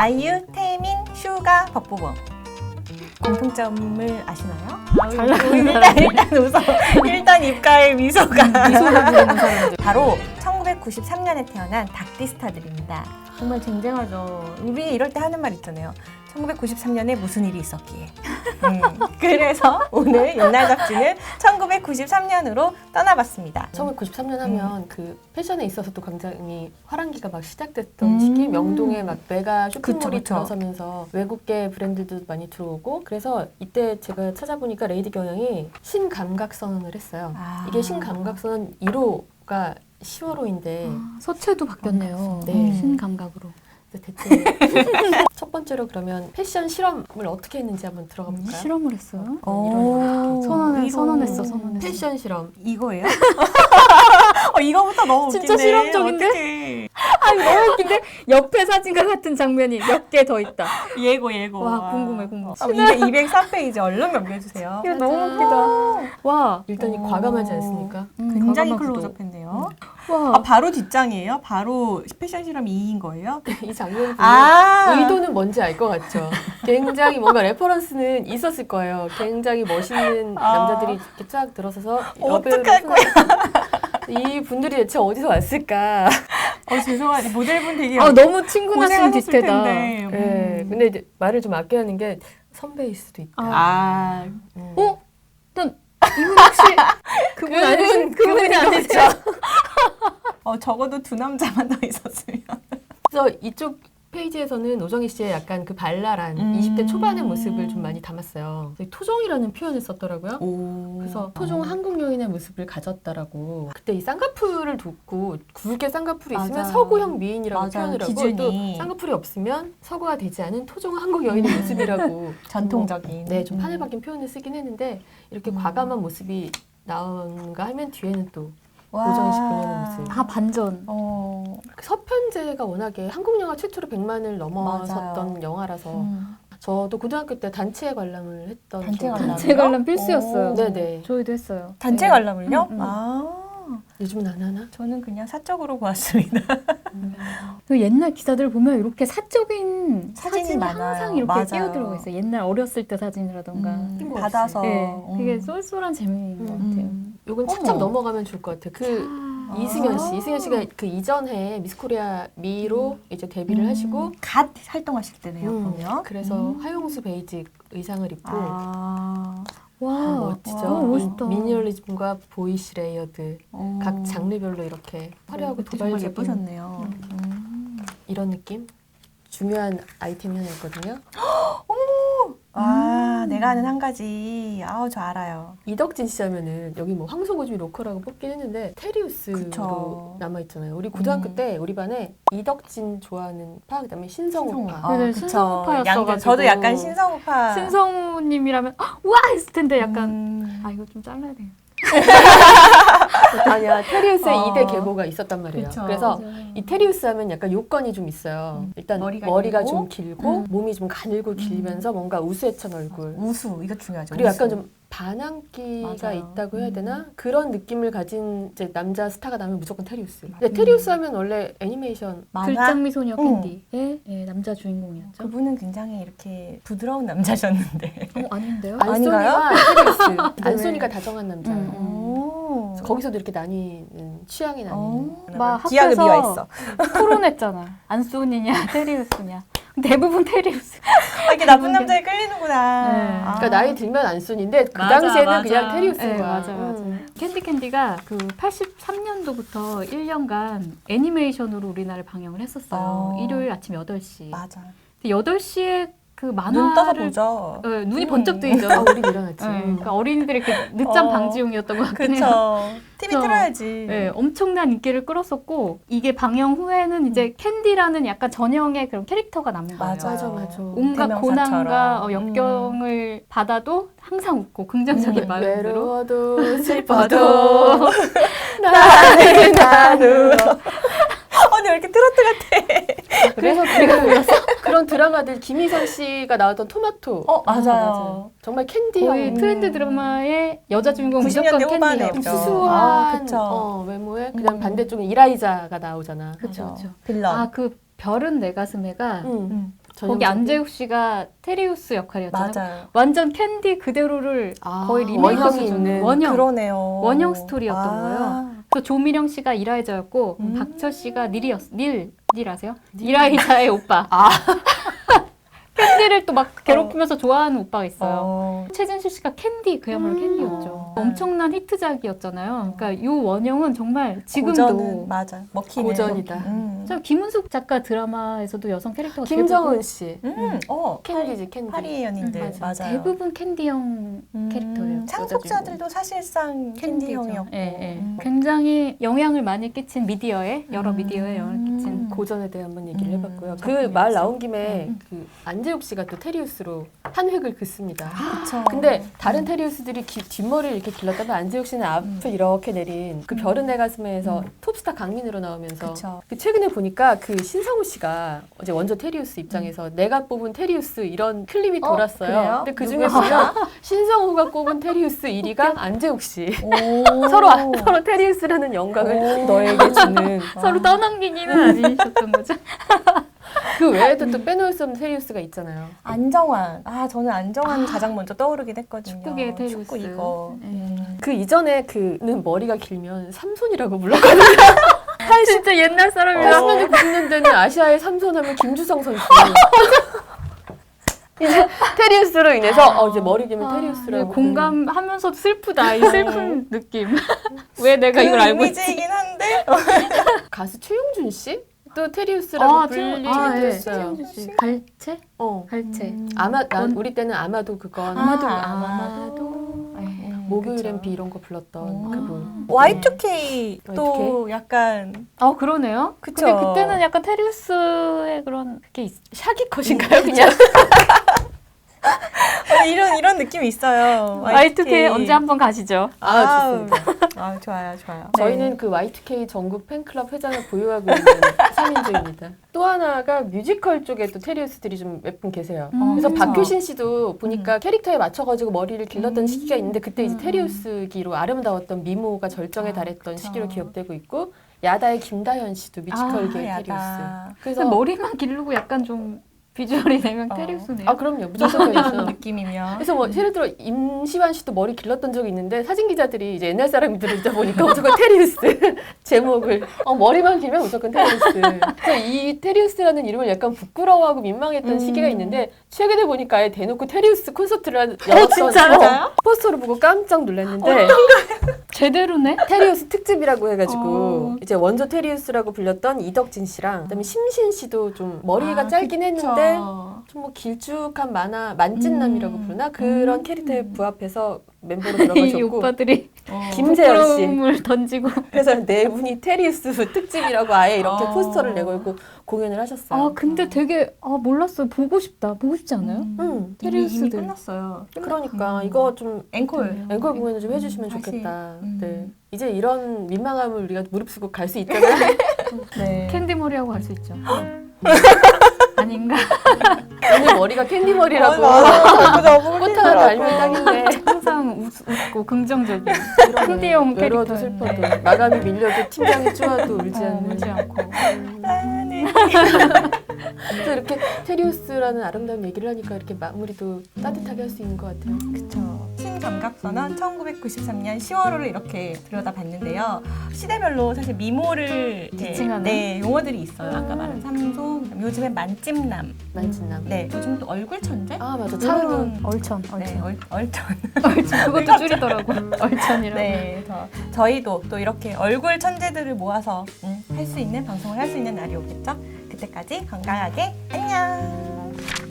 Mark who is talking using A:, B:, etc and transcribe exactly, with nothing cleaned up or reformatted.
A: 아이유, 태민, 슈가, 박보검. 공통점을 아시나요?
B: 잘 나가는
A: 일단,
B: 사람들.
A: 일단 웃어. 일단 입가에 미소가.
B: 미소를 지어는 사람들.
A: 바로 천구백구십삼 년에 태어난 닭띠스타들입니다. 정말 쟁쟁하죠. 우리 이럴 때 하는 말 있잖아요. 천구백구십삼 년에 무슨 일이 있었기에. 음, 그래서 오늘 옛날 잡지는 천구백구십삼 년으로 떠나봤습니다.
C: 천구백구십삼 년 하면
A: 음.
C: 그 패션에 있어서도 굉장히 화랑기가 막 시작됐던
A: 음.
C: 시기, 명동에 막 메가 쇼핑몰이
A: 그쵸, 그쵸.
C: 들어서면서 외국계 브랜드도 많이 들어오고, 그래서 이때 제가 찾아보니까 레이디 경영이 신감각 선언을 했어요.
A: 아.
C: 이게 신감각 선언 일 호가 시월호인데
B: 아, 서체도 바뀌었네요.
C: 네.
B: 음, 신감각으로.
C: 대체 첫 번째로 그러면 패션 실험을 어떻게 했는지 한번 들어가 볼까요?
B: 실험을 했어요.
A: 오,
B: 선언을
A: 이거-
B: 선언했어, 선언했어.
C: 패션 실험.
A: 이거예요? 어, 이거부터 너무
B: 진짜
A: 웃긴데.
B: 실험적인데?
A: 어떡해.
B: 아니 너무 웃긴데 옆에 사진과 같은 장면이 몇 개 더 있다.
A: 예고 예고.
B: 와, 궁금해, 궁금해.
A: 어, 이백삼 페이지 얼른 넘겨주세요.
B: 이거 너무 웃기다. 와,
C: 일단 이
A: 오.
C: 과감하지 않습니까?
B: 음,
A: 굉장히
B: 과감한 구도.
A: 클로즈업했네요.
B: 와,
A: 아, 바로 뒷장이에요? 바로 패션 실험 이인 거예요?
C: 이 장면 보면
A: 아,
C: 의도는 뭔지 알 것 같죠. 굉장히 뭔가 레퍼런스는 있었을 거예요. 굉장히 멋있는
A: 아.
C: 남자들이 이렇게 쫙 들어서서
A: 어떡할
C: 거야? 이 분들이 대체 어디서 왔을까?
A: 어, 죄송한데 모델분 되게
B: 아 너무 친근하신
A: 고생하셨을
B: 뒷태다.
A: 텐데.
C: 네,
A: 음.
C: 근데 이제 말을 좀 아껴야 하는 게 선배일 수도 있다.
A: 아,
C: 음.
B: 어? 난 이분 혹시 그분 아니신 그분이 아니죠?
A: 어, 적어도 두 남자만 더 있었으면.
C: 그래서 이쪽 페이지에서는 오정희 씨의 약간 그 발랄한
A: 음.
C: 이십 대 초반의 모습을 좀 많이 담았어요. 그래서 토종이라는 표현을 썼더라고요.
A: 오.
C: 그래서 토종 한국 여인의 모습을 가졌다라고. 그때 이 쌍꺼풀을 돋고 굵게 쌍꺼풀이 있으면
A: 맞아요.
C: 서구형 미인이라고
A: 맞아요.
C: 표현을 하고,
A: 기준이.
C: 또 쌍꺼풀이 없으면 서구가 되지 않은 토종 한국 여인의 모습이라고
A: 전통적인.
C: 네, 좀
A: 음.
C: 판을 박힌 표현을 쓰긴 했는데, 이렇게
A: 음.
C: 과감한 모습이 나온가 하면 뒤에는 또
A: 와.
C: 오정희 씨 본연의 모습.
B: 아 반전.
A: 어.
C: 서편제가 워낙에 한국 영화 최초로 백만을 넘어섰던
A: 맞아요.
C: 영화라서
A: 음.
C: 저도 고등학교 때 단체 관람을 했던
A: 단체
C: 기억이
A: 관람?
C: 나요.
B: 단체 관람 필수였어요.
A: 오.
C: 네네.
B: 저희도 했어요.
A: 단체
B: 네.
A: 관람을요?
B: 음, 음.
A: 아.
C: 요즘은 안 하나?
A: 저는 그냥 사적으로 보았습니다.
B: 그 옛날 기사들 보면 이렇게 사적인
A: 사진이
B: 사진이,
A: 많아요.
B: 항상 이렇게
A: 맞아요.
B: 끼어들어가 있어요. 옛날 어렸을 때 사진이라던가.
A: 음,
C: 뜬금없이.
A: 받아서.
B: 네, 그게
A: 음.
B: 쏠쏠한 재미인 것 같아요.
A: 음.
C: 요건
A: 어머.
C: 착착 넘어가면 좋을 것 같아요. 그
B: 아.
C: 이승현 씨,
A: 아.
C: 이승현 씨가 그 이전에 미스코리아 미로 이제 데뷔를
A: 음.
C: 하시고,
A: 갓 활동하실 때네요,
C: 음,
A: 보면.
C: 그래서
A: 음.
C: 하용수 베이직 의상을 입고
A: 아.
B: 와,
C: 멋지죠.
B: 너무 멋있다.
C: 미니멀리즘과 보이시 레이어드
A: 어.
C: 각 장르별로 이렇게 화려하고
A: 그때 정말
C: 도발적인
A: 예쁘셨네요. 음.
C: 이런 느낌? 중요한 아이템이 하나 있거든요.
A: 아,
B: 음.
A: 내가 아는 한 가지. 아우, 저 알아요.
C: 이덕진 씨 하면은 여기 뭐 황소고집이 로컬하고 뽑긴 했는데 테리우스로
A: 그쵸.
C: 남아있잖아요. 우리 고등학교
A: 음.
C: 때 우리 반에 이덕진 좋아하는 파, 그다음에 신성우파.
A: 아,
B: 네,
A: 그쵸.
B: 신성우파였어가지고.
A: 양자, 저도 약간 신성우파.
B: 신성우님이라면 아, 와 했을 텐데 약간
A: 음.
B: 아 이거 좀 잘라야 돼.
C: 아니야, 테리우스의
A: 어.
C: 이 대 계보가 있었단 말이에요.
A: 그쵸.
C: 그래서
B: 맞아요.
C: 이 테리우스 하면 약간 요건이 좀 있어요.
A: 음.
C: 일단
A: 머리가
C: 머리가,
A: 길고.
C: 좀 길고
A: 음.
C: 몸이 좀 가늘고 길면서 뭔가 우수해찬 얼굴.
A: 우수, 이거 중요하죠.
C: 그리고
A: 우수.
C: 약간 좀 반항기가
A: 맞아요.
C: 있다고 해야
A: 음.
C: 되나? 그런 느낌을 가진 이제 남자 스타가 나면 무조건 테리우스. 근데
A: 음.
C: 테리우스 하면 원래 애니메이션
A: 만화?
B: 글장미 소녀
A: 응.
B: 캔디의 예, 남자 주인공이었죠.
A: 그분은 굉장히 이렇게 부드러운 남자셨는데.
B: 어, 아닌데요?
C: 안소니와 테리우스. 안소니가 다정한 남자.
B: 음.
A: 오.
C: 그래서 거기서도 이렇게 나뉘는 취향이 나뉘는.
A: 어.
B: 막
A: 기하게
B: 학교에서
A: 미화했어.
B: 토론했잖아. 안소니냐 테리우스냐. 대부분 테리우스.
A: 아, 이렇게 나쁜 남자에 끌리는구나.
B: 네.
A: 아.
C: 그러니까 나이 들면 안소니인데 그
B: 맞아,
C: 당시에는
B: 맞아.
C: 그냥 테리우스인
B: 네,
C: 거야.
B: 맞아, 맞아.
C: 음.
B: 캔디 캔디가 그 팔십삼 년도부터 일 년간 애니메이션으로 우리나라를 방영을 했었어요.
A: 어.
B: 일요일 아침 여덟 시.
A: 맞아.
B: 근데 여덟 시에 그
A: 눈 떠서
B: 만화를
A: 보죠.
B: 어, 눈이
A: 음.
B: 번쩍 뜨이죠.
C: 아, 우리 일어났지.
B: 네, 그러니까 어린이들이 이렇게 늦잠
A: 어.
B: 방지용이었던 것 같긴 해요.
A: 그쵸. 티비
B: 그쵸.
A: 틀어야지.
B: 네, 엄청난 인기를 끌었었고 이게 방영 후에는 이제 캔디라는 약간 전형의 그런 캐릭터가 남는 거예요.
A: 맞아요.
C: 맞아, 맞아.
B: 온갖
A: 대명사처럼.
B: 고난과 어,
A: 음.
B: 역경을 받아도 항상 웃고 긍정적인
A: 음,
B: 마음으로
C: 외로워도
A: 슬퍼도
C: 슬퍼도
A: 나는 나누어. 언니 왜 이렇게 트로트 같아?
C: 그래서 그, 그런 드라마들 김희선 씨가 나왔던 토마토.
A: 어,
C: 아,
A: 맞아요.
C: 정말 캔디형.
B: 거의
A: 음.
B: 트렌드 드라마의 여자 주인공
A: 구십
B: 무조건
A: 년대 후반에
B: 캔디예요.
A: 좀
C: 수수한
A: 아, 그쵸.
C: 어, 외모에 그다음
A: 음.
C: 반대쪽에 이라이자가 나오잖아.
B: 그쵸, 그쵸.
A: 빌런.
B: 아, 그 별은 내 가슴에가
C: 응.
A: 음.
B: 거기 안재욱 씨가 테리우스 역할이었잖아요.
A: 맞아요.
B: 완전 캔디 그대로를
C: 아,
B: 거의 리메이크
C: 원형이
B: 수준
C: 있는.
B: 원형.
A: 그러네요.
B: 원형 스토리였던
A: 아.
B: 거예요. 또 조미령 씨가 이라이자였고
A: 음.
B: 박철 씨가 닐이었 닐, 닐 아세요? 이라이자의 오빠.
C: 아.
B: 캔디를 또 막 괴롭히면서 좋아하는 오빠가 있어요.
A: 어.
B: 최진실 씨가 캔디 그야말로
C: 음.
B: 캔디였죠.
A: 음.
B: 엄청난 히트작이었잖아요. 그러니까 이 원형은 정말
A: 고전은
B: 지금도
A: 맞아. 먹히네.
C: 고전이다.
A: 음.
B: 저 김은숙 작가 드라마에서도 여성 캐릭터가
C: 김정은 씨.
A: 음. 어.
C: 캔디지 캔디.
A: 파리의 연인들
B: 음,
A: 맞아요.
B: 대부분 캔디형
A: 음,
B: 캐릭터예요.
A: 상속자들도 사실상 캔디형이었고.
B: 예, 예.
A: 음.
B: 굉장히 영향을 많이 끼친 미디어에 여러
A: 음.
B: 미디어에 영향을 끼친
A: 음.
C: 고전에 대해 한번 얘기를
A: 음,
C: 해봤고요. 그
A: 작품이었지.
C: 말 나온 김에
B: 음.
C: 그 안재욱 씨가 또 테리우스로 한 획을 긋습니다.
A: 그쵸.
C: 근데 다른 테리우스들이 기- 뒷머리를 이렇게 길렀다면 안재욱 씨는 앞을
A: 음.
C: 이렇게 내린 그
A: 음.
C: 별은 내 가슴에서
A: 음.
C: 톱스타 강민으로 나오면서
A: 그쵸.
C: 그 최근에 보니까 그 신성우 씨가 어제 원조 테리우스 입장에서 내가 뽑은 테리우스 이런 클립이
A: 어,
C: 돌았어요.
A: 그래요?
C: 근데 그
A: 누구야?
C: 중에 보면 신성우가 꼽은 테리우스 일 위가 안재욱 씨.
A: 오.
C: 서로 서로 테리우스라는 영광을
A: 오.
C: 너에게 주는.
B: 서로 떠넘기기는 아니셨던 거죠.
C: 그 외에도 또 빼놓을 수 없는 테리우스가 있잖아요.
A: 안정환. 아, 저는 안정환 가장 먼저 떠오르긴 했거든요.
B: 축구계 테리우스.
A: 축구 이거.
B: 네.
A: 음.
C: 그 이전에 그는 머리가 길면 삼손이라고 불렀거든요.
B: 진짜 옛날 사람이다.
C: 팔십 년대 구십 년대는 아시아의 삼손하면 김주성 선수. 이제 테리우스로 인해서 어 이제 머리 길면
B: 아,
C: 테리우스라고.
B: 네, 공감하면서도 슬프다. 이 슬픈 느낌. 왜 내가
A: 그
B: 이걸 알고 있지?
A: 이미지이긴 한데.
C: 가수 최용준 씨? 또 테리우스라고
B: 아,
C: 불리게
B: 아, 예.
C: 됐어요.
B: 최영준 씨. 갈채?
C: 어.
B: 갈채.
A: 음.
C: 아마 난
B: 원-
C: 우리 때는 아마도 그건
B: 아마도
A: 아,
B: 아마도. 예.
A: 음,
C: 목요일엔
A: 그쵸.
C: 비 이런 거 불렀던
A: 오.
C: 그분.
A: 와이투케이도 약간
B: 아 그러네요.
A: 그쵸.
B: 근데 그때는 약간 테리우스의 그런 그게 있...
C: 샤기 컷인가요 그냥?
A: 어, 이런 이런 느낌이 있어요.
B: 와이투케이 언제 한번 가시죠.
C: 아 좋습니다.
A: 아 좋아요, 좋아요.
C: 저희는 그 와이투케이 전국 팬클럽 회장을 보유하고 있는 삼인조입니다. 또 하나가 뮤지컬 쪽에 또 테리우스들이 좀 몇 분 계세요.
B: 음.
C: 그래서
A: 그쵸.
C: 박효신 씨도 보니까 캐릭터에 맞춰가지고 머리를 길렀던
A: 음.
C: 시기가 있는데 그때 이제
B: 음.
C: 테리우스기로 아름다웠던 미모가 절정에
A: 아,
C: 달했던
A: 그쵸.
C: 시기로 기억되고 있고 야다의 김다현 씨도 뮤지컬계
A: 아,
C: 테리우스.
A: 야다.
C: 그래서
B: 근데 머리만 기르고 약간 좀 비주얼이 되면
A: 어.
B: 테리우스네요.
C: 아 그럼요 무조건
A: 이런
C: 테리우스.
A: 느낌이면.
C: 그래서 뭐 예를 들어 임시완 씨도 머리 길렀던 적이 있는데 사진 기자들이 이제 옛날 사람들을 듣다 보니까 무조건 테리우스 제목을 어 머리만 길면 무조건 테리우스. 그래서 이 테리우스라는 이름을 약간 부끄러워하고 민망했던
A: 음.
C: 시기가 있는데 최근에 보니까 아예 대놓고 테리우스 콘서트를 한- 열었던
A: 진짜요?
C: 어, 포스터를 보고 깜짝 놀랐는데
B: 제대로네.
C: 테리우스 특집이라고 해가지고
B: 어.
C: 이제 원조 테리우스라고 불렸던 이덕진 씨랑 그다음에 심신 씨도 좀 머리가
A: 아,
C: 짧긴
A: 그쵸.
C: 했는데 좀 뭐 길쭉한 만화 만찢남이라고
A: 음.
C: 부르나 그런
A: 음.
C: 캐릭터에 부합해서 멤버로
B: 이
C: 들어가셨고
B: 오빠들이
A: 어.
C: 김세현 씨
B: 부끄러움을 던지고.
C: 그래서 네 분이 테리우스 특집이라고 아예 이렇게
A: 어.
C: 포스터를 내걸고 공연을 하셨어요.
B: 아 근데 되게 아 몰랐어요. 보고 싶다. 보고 싶지 않아요?
A: 음.
C: 응.
A: 이미,
B: 테리우스들.
A: 이미 끝났어요.
C: 그러니까
A: 음.
C: 이거 좀
A: 앵콜.
C: 앵콜 공연을 좀 해주시면
A: 다시.
C: 좋겠다.
A: 음.
C: 네. 이제 이런 민망함을 우리가 무릅쓰고 갈 수 있잖아요.
A: 네.
B: 캔디 머리하고 갈 수 있죠. 아닌가?
C: 오늘 머리가 캔디 머리라고
A: 어, 맞아. 너무
C: 꽃 하나 달면 딱인데
B: 항상 웃, 웃고 긍정적인 캔디형
C: 외로워도
B: 캐릭터.
C: 슬퍼도 마감이 밀려도 팀장이 쪼아도 울지
B: 어,
C: 않는.
B: 울지 않고.
C: 또 이렇게 테리우스라는 아름다운 얘기를 하니까 이렇게 마무리도 따뜻하게 할 수 있는 것 같아요.
A: 그쵸. 신감각선언 천구백구십삼 년 시월호를 이렇게 들여다봤는데요. 시대별로 사실 미모를 이렇게,
B: 지칭하는?
A: 네, 용어들이 있어요. 아까
B: 음.
A: 말한 삼소, 요즘엔 만찜남.
C: 만진남.
A: 네, 요즘 또 얼굴 천재?
C: 아 맞아. 차은우.
A: 이런
B: 얼천, 얼천.
A: 네, 얼, 얼천.
B: 얼천. 그것도 줄이더라고. 얼천이라고.
A: 네, 저, 저희도 또 이렇게 얼굴 천재들을 모아서 음, 할 수 있는 방송을 할 수 있는 날이 오겠죠. 그때까지 건강하게 안녕.